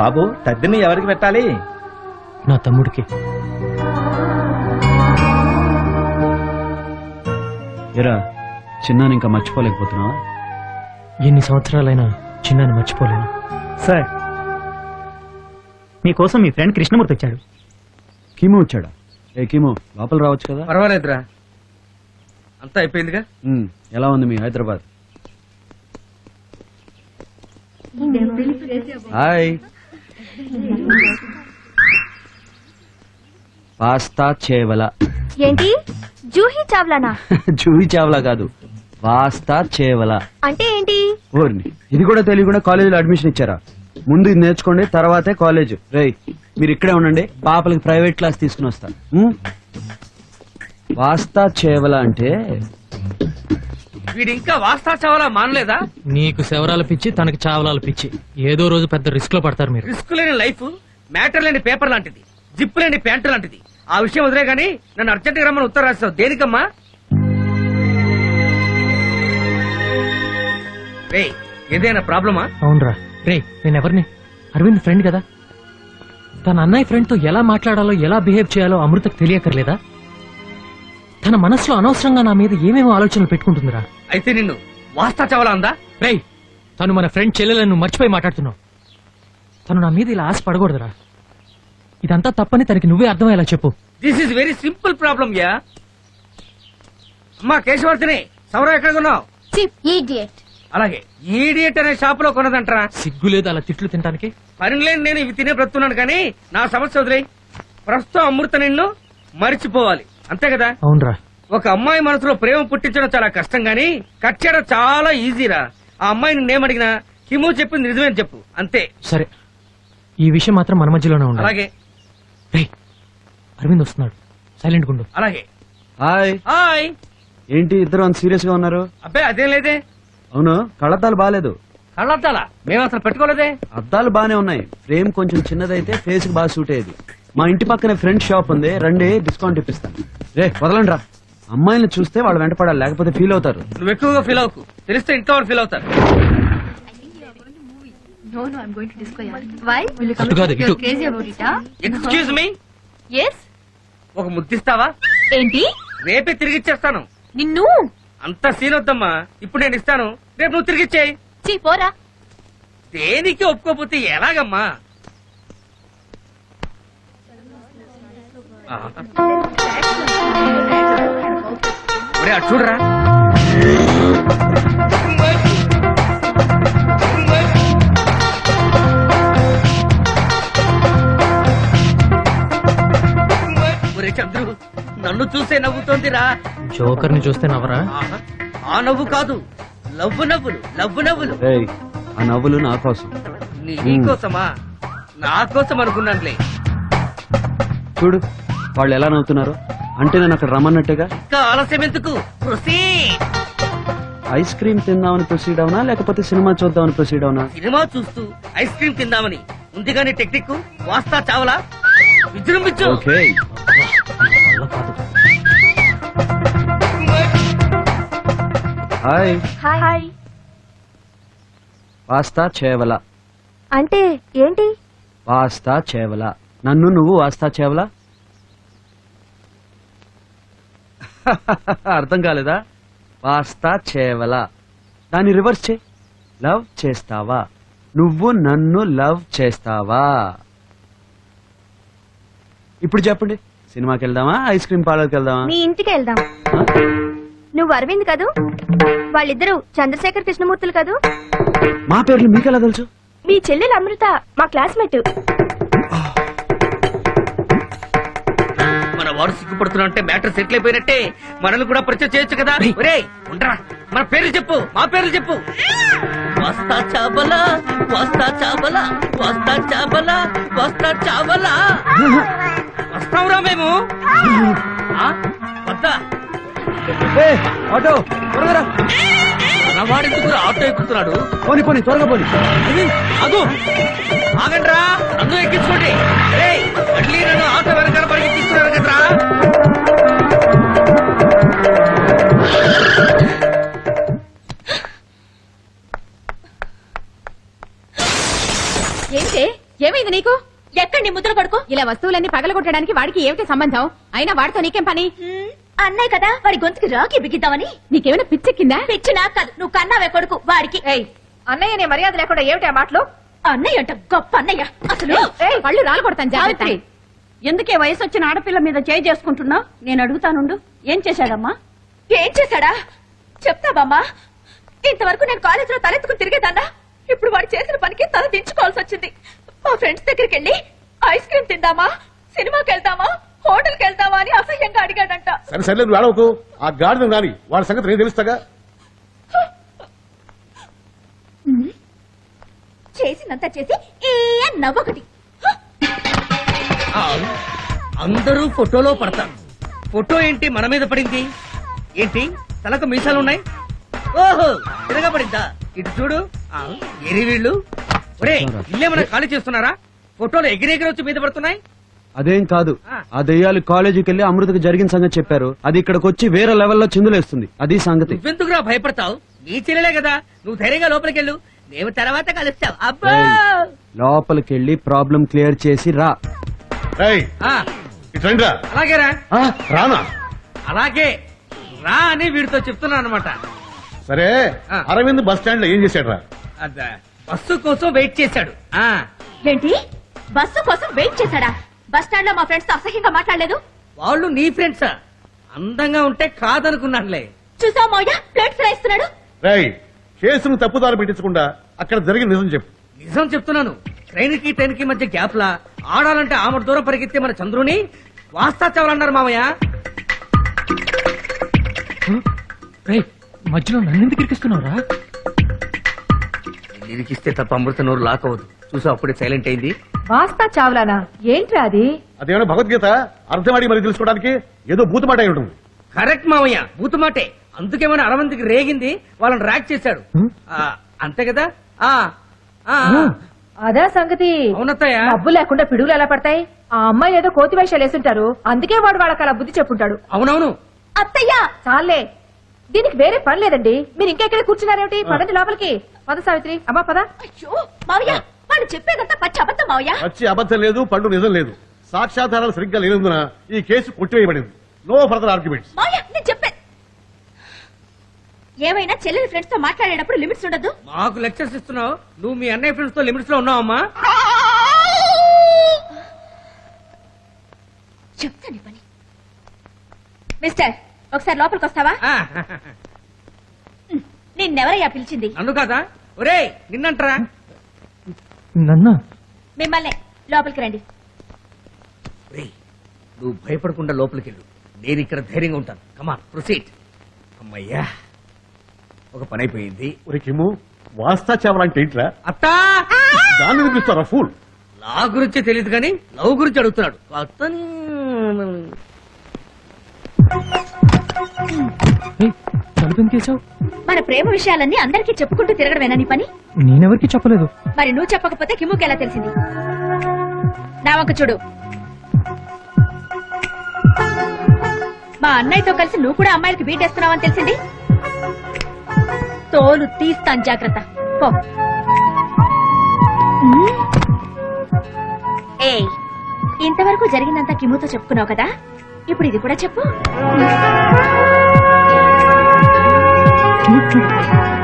బాబు తద్దిని ఎవరికి పెట్టాలి? నా తమ్ముడికి. ఎరా చిన్నాని ఇంకా మర్చిపోలేకపోతున్నావా? ఎన్ని సంవత్సరాలైనా చిన్నాన్ని మర్చిపోలేను. సార్, మీకోసం మీ ఫ్రెండ్ కృష్ణమూర్తి వచ్చాడు. కీమో వచ్చాడా? ఏ కీమో, లోపల రావచ్చు కదా. పర్వాలేదురా, అంతా అయిపోయిందిగా. ఎలా ఉంది మీ హైదరాబాద్? హాయ్. పాస్తా చేవల. ఏంటి జూహీ చావ్లానా? జూహీ చావలా కాదు, పాస్తా చేవల అంటే ఏంటి? ఓర్ని, ఇది కూడా తెలియకుండా కాలేజీలో అడ్మిషన్ ఇచ్చారా? ముందు ఇది నేర్చుకోండి, తర్వాతే కాలేజ్. రేయ్ మీరు ఇక్కడే ఉండండి, పాపలకి ప్రైవేట్ క్లాస్ తీసుకుని వస్తా. పాస్తా చేవల అంటే వీడు ఇంకా వాస్తా చావాలా మానలేదా? నీకు శవరాల పిచ్చి, తనకి చావలాల పిచ్చి. ఏదో రోజు పెద్ద రిస్క్ లో పడతారు మీరు. రిస్క్ లేని లైఫ్ మ్యాటర్ లేని పేపర్ లాంటిది, జిప్ లేని ప్యాంటు లాంటిది. ఆ విషయం వదిలే గానీ నన్ను అర్జెంట్ గా రమ్మని ఉత్తరం రాస్తావు దేనికమ్మా? రే ఏదైనా ప్రాబ్లమా? అవునరా. రే నేనెవరిని? అరవింద్ ఫ్రెండ్ కదా. తన అన్నయ్య ఫ్రెండ్ తో ఎలా మాట్లాడాలో, ఎలా బిహేవ్ చేయాలో అమృతకు తెలియకర్లేదా? తన మనసులో అనవసరంగా నా మీద ఏమేమో ఆలోచనలు పెట్టుకుంటుందిరా. అయితే నిన్ను వాస్తా చావాలా అందా? రేయ్ తను మన ఫ్రెండ్ చెల్లెలను నువ్వు మర్చిపోయి మాట్లాడుతున్నావు. తను నా మీద ఇలా ఆశ పడకూడదురా. ఇదంతా తప్పని తనకి నువ్వే అర్థమయ్యేలా చెప్పు. This is very simple problem యా. అమ్మా కేశవర్తిని, సౌర ఎక్కడ కొన్నావు? అలాగే ఈడియట్ అనే షాప్ లో కొన్నదంటరా. సిగ్గు లేదు అలా తిట్లు తినడానికి? పని లేని నేను ఇవి తినే బ్రతున్నాను కానీ నా సమస్య వదిలేయ్. ప్రస్తుతం అమృత నిన్ను మరిచిపోవాలి అంతే కదా? అవునరా. ఒక అమ్మాయి మనసులో ప్రేమ పుట్టించడం చాలా కష్టం గానీ కట్ చేయడం చాలా ఈజీరా. ఆ అమ్మాయి నిన్నేమడిగినా కిము చెప్పింది నిజమేని చెప్పు అంతే. సరే, ఈ విషయం మాత్రం మన మధ్యలోనే ఉండాలి. అలాగే. రేయ్ అరవింద్ వస్తున్నాడు, సైలెంట్ గుండు. అలాగే. హాయ్. హాయ్. ఏంటి ఇద్దరు అంత సీరియస్ గా ఉన్నారు? అబ్బాయి అదేం లేదే. అవును, కళ్ళద్దాలు బాగాలేదు. కళ్ళద్దాలా? మేము అసలు పెట్టుకోలేదే. అద్దాలు బానే ఉన్నాయి, ఫ్రేమ్ కొంచెం చిన్నదైతే ఫేస్ కి బాగా సూట్ అయ్యేది. మా ఇంటి పక్కనే ఫ్రెండ్ షాప్ ఉంది, రండి డిస్కౌంట్ ఇప్పిస్తాను. రే వదలండి రా, అమ్మాయిని చూస్తే వాళ్ళు వెంటపడాలి, లేకపోతే ఫీల్ అవుతారు. నువ్వు ఎక్కువగా ఫీల్ అవ్వకు, తెలిస్తే ఇంట్లో వాళ్ళు ఫీల్ అవుతారు. అటు కాదు, ఇటు. ఎక్స్క్యూజ్ మీ, ఒక ముద్దిస్తావా? ఏంటి? రేపే తిరిగిచ్చేస్తాను. నిన్ను అంత సీన్ వద్దమ్మా, ఇప్పుడు నేను ఇస్తాను, రేపు నువ్వు తిరిగిచ్చేయి. పోరా. దేనికి ఒప్పుకోపోతే ఎలాగమ్మా? ఒరే అటు చూడరా. ఒరే చంద్రు, నన్ను చూసే నవ్వుతోందిరా. జోకర్ ని చూస్తే నవ్వరా? ఆహా, ఆ నవ్వు కాదు, లవ్వు నవ్వులు, లవ్వు నవ్వులు. రేయ్, ఆ నవ్వులు నా కోసం. నీకోసమా? నా కోసం అనుకున్నానులే. చూడు వాళ్ళు ఎలా నవ్వుతున్నారు, అంటే నేను అక్కడ రమ్మన్నట్టుగా. ఇంకా ఆలస్యం ఎందుకు? ప్రొసీడ్. ఐస్ క్రీమ్ తిందామని ప్రొసీడ్ అవునా, లేకపోతే సినిమా చూద్దామని ప్రొసీడ్ అవునా? సినిమా చూస్తూ ఐస్ క్రీమ్ తిందామని ఉంది కానీ టెక్నిక్ వాస్తా చావలా విజృంభించు. ఓకే. వల్ల కాదు. హాయ్. హాయ్. వాస్తా చేవల అంటే ఏంటి? వాస్తా చేవల, నన్ను నువ్వు వాస్తా చేవలా? అర్థం కాలేదా? వాస్తా చేవల, దాన్ని రివర్స్ చే. లవ్ చేస్తావా, నువ్వు నన్ను లవ్ చేస్తావా? ఇప్పుడు చెప్పండి, సినిమాకి వెళ్దామా, ఐస్ క్రీమ్ పార్లర్కి వెళ్దామా? మీ ఇంటికి వెళ్దాం. నువ్వు అరవింద్ కదూ? వాళ్ళిద్దరూ చంద్రశేఖర్ కృష్ణమూర్తులు కదూ? మా పేర్లు మీకెలా తెలుసు? మీ చెల్లెలు అమృత మా క్లాస్మేట్. మన వాడు సిగ్గుపడుతున్నా అంటే మ్యాటర్ సెటిల్ అయిపోయినట్టే. మనల్ని కూడా పరిచయం చేయొచ్చు కదా. ఒరేయ్ ఉండరా, మన పేర్లు చెప్పు, మా పేర్లు చెప్పు. వస్తా చాబలా, వస్తా చాబలా, వస్తా చాబలా, వస్తా చాబలా. వస్తావురా మేము? వద్దా? ఆటో త్వరగా రా. మనవాడెందుకు ఆటో ఎక్కుతున్నాడు? పోనీ పోనీ త్వరగా పోనీ. అదు ఆగండ్రా, నన్ను ఎక్కించుకోండి. మళ్ళీ నన్ను ఆటో వెనకాల పరిగెత్తిస్తున్నారు కదరా. ఏంటే ఏమైంది? నీ ముద్ర కొడుకు ఇలా వస్తువులన్నీ పగలగొట్టడానికి వాడికి ఏమిటి సంబంధం అయినా వాడితో నీకేం పని అన్నయ్య కదా వాడి గొంతుకి రాకి బిగిద్దామని. నీకేమైనా పిచ్చెక్కిందా పిచ్చి నాకు కాదు, నువ్వు కన్నావే కొడుకు వాడికి. అన్నయ్య నీ మర్యాద లేకుండా ఏమిటి ఆ మాటలు అన్నయ్య అంట గొప్ప అన్నయ్య. అసలు పళ్ళు రాలు కొడతాను జాగ్రత్త ఎందుకే వయసు వచ్చిన ఆడపిల్ల మీద చేయి చేసుకుంటున్నావు? నేను అడుగుతానుండు. ఏం చేశాడమ్మా? ఏం చేశాడా చెప్తావమ్మా. ఇంతవరకు నేను కాలేజీలో తలెత్తుకుని తిరిగేదాన్నా. ఇప్పుడు వాడు చేసిన పనికి తల దించుకోవాల్సి వచ్చింది. మా ఫ్రెండ్స్ దగ్గరికి వెళ్ళి ఐస్ క్రీమ్ తిందామా, సినిమాకి వెళ్దామా, హోటల్కి వెళ్దామా అని అసహ్యంగా అడిగాడంట. సరే సరే నువ్వు ఏడవకు. ఆ గాడిద రాని వాడి సంగతి నేను తెలుస్తాగా. చేసినంత చేసి ఏ నవ్వొకటి. అందరూ ఫోటోలో పడతారు. ఫోటో ఏంటి మన మీద పడింది? ఏంటి తలకు మీసాలున్నాయి? ఓహో తిరగబడిందా? ఇటు చూడు. ఎరి వీళ్ళు ఒరే ఇల్లేమన్నా ఖాళీ చేస్తున్నారా? ఫోటోలు ఎగిరెగిరి వచ్చి మీద పడుతున్నాయి. అదేం కాదు, ఆ దెయ్యాలు కాలేజీకి వెళ్ళి అమృతకు జరిగిన సంగతి చెప్పారు. అది ఇక్కడికి వచ్చి వేరే లెవెల్లో చిందులేస్తుంది. అది సంగతి. నువ్వెందుకురా భయపడతావు? నీ చెల్లెలే కదా, నువ్వు ధైర్యంగా లోపలికెళ్ళు. నేను తర్వాత కలుస్తావు. అబ్బా లోపలికి వెళ్ళి ప్రాబ్లం క్లియర్ చేసి రా. రేయ్, ఆ, ఇటు రండిరా. అలాగేరా. ఆ, రానా? అలాగే రా అని వీడితో చెప్తున్నా అనమాట. సరే ఆ. అరవింద్ బస్ స్టాండ్ లో ఏం చేశాడు? బస్సు కోసం వెయిట్ చేశాడు. ఆ ఏంటి బస్సు కోసం వెయిట్ చేశాడా? బస్ స్టాండ్ లో మా ఫ్రెండ్స్ తో అసహ్యంగా మాట్లాడలేదు. వాళ్ళు నీ ఫ్రెండ్సా? అందంగా ఉంటే కాదనుకున్నానులే. చూసావు మౌయ ప్లేట్ ఫ్రై ఇస్తున్నాడు. రేయ్, కేసును తప్పుదారి పెట్టించకుండా అక్కడ జరిగిన నిజం చెప్పు. నిజం చెప్తున్నాను. ట్రైన్ కి ట్రైన్ కి మధ్య గ్యాప్ లా ఆడాలంటే ఆమె దూరం పరిగెత్తే మన చంద్రుని వాస్తా చావాలన్నారు మామయ్య. రేయ్ మధ్యలో నన్నెందుకు ఇరికిస్తున్నావురా? ఇరికిస్తే తప్ప అమృత నోరు లాక్ అవ్వదు. చూసా అప్పుడే సైలెంట్ అయింది. వాస్తా చావులానా ఏంట్రా అది? అదేమైనా భగవద్గీత అర్థమాడి మరి తెలుసుకోవడానికి ఏదో బూతుమాట అయి ఉంటుంది. కరెక్ట్ మామయ్య, బూతుమాటే. అందుకేమైనా అరవంతికి రేగింది, వాళ్ళని ర్యాక్ చేశాడు. ఆ, అంతే కదా? ఆ ఆ, అదా సంగతి. అవునత్తయ్య. డబ్బు లేకుండా పిడుగులు ఎలా పడతాయి? ఆ అమ్మాయి ఏదో కోతి వేషాలు వేసుంటారు, అందుకే వాడు వాళ్ళకి అలా బుద్ధి చెప్పుంటాడు. అవునవును. అత్తయ్య చాలే, దీనికి వేరే పని లేదండి. మీరు ఇంకా ఇక్కడ కూర్చున్నారేమిటి? పదండి లోపలికి. పద సావిత్రి. అమ్మా పద. అయ్యో మావయ్య వాడు చెప్పేదంతా పచ్చి అబద్ధం మావయ్య. వచ్చి అబద్ధం లేదు, పండు నిజం లేదు. సాక్ష్యాధారాలు సరిగ్గా లేనందున ఈ కేసు కొట్టివేయబడింది. No further arguments. మావయ్య నేను చెప్పాను. ఏమైనా చెల్లెలి ఫ్రెండ్స్ తో మాట్లాడేటప్పుడు లిమిట్స్ ఉండదు. మాకు లెక్చర్స్ ఇస్తున్నావు. నువ్వు మీ అన్నయ్య ఫ్రెండ్స్ తో లిమిట్స్ లో ఉన్నావమ్మా. చెప్తాను పని. మిస్టర్ ఒకసారి లోపలికి వస్తావా? ఆ, నిన్నెవరయ్యా పిలిచింది? నన్ను కాదా? ఒరేయ్ నిన్నంటరా. నన్నా? మిమ్మల్ని. లోపలికి రండి. ఒరేయ్, నువ్వు భయపడకుండా లోపలికి వెళ్ళు. నేను ఇక్కడ ధైర్యంగా ఉంటాను. Come on proceed. అమ్మయ్యా, ఒక పని అయిపోయింది. ఒరే కిమ్ము, వాస్తా చావాలంటే ఏంట్రా? అత్తా దాన్ని వినిపిస్తారా ఫూల్? లా గురించి తెలియదు కానీ లవ్ గురించి అడుగుతున్నాడు. అతను తలుపెందుకేసావు? మన ప్రేమ విషయాలన్నీ అందరికీ చెప్పుకుంటూ తిరగడమేనా నీ పని? నేనెవరికి చెప్పలేదు. మరి నువ్వు చెప్పకపోతే కిమ్ముకి ఎలా తెలిసింది? నా వంక చూడు. మా అన్నయ్యతో కలిసి నువ్వు కూడా అమ్మాయిలకి బీటేస్తున్నావని తెలిసింది. తోలు తీస్తాను, జాగ్రత్త. పో. ఏయ్, ఇంతవరకు జరిగిందంతా కిమ్ముతో చెప్పుకున్నావు కదా, ఇప్పుడు ఇది కూడా చెప్పు.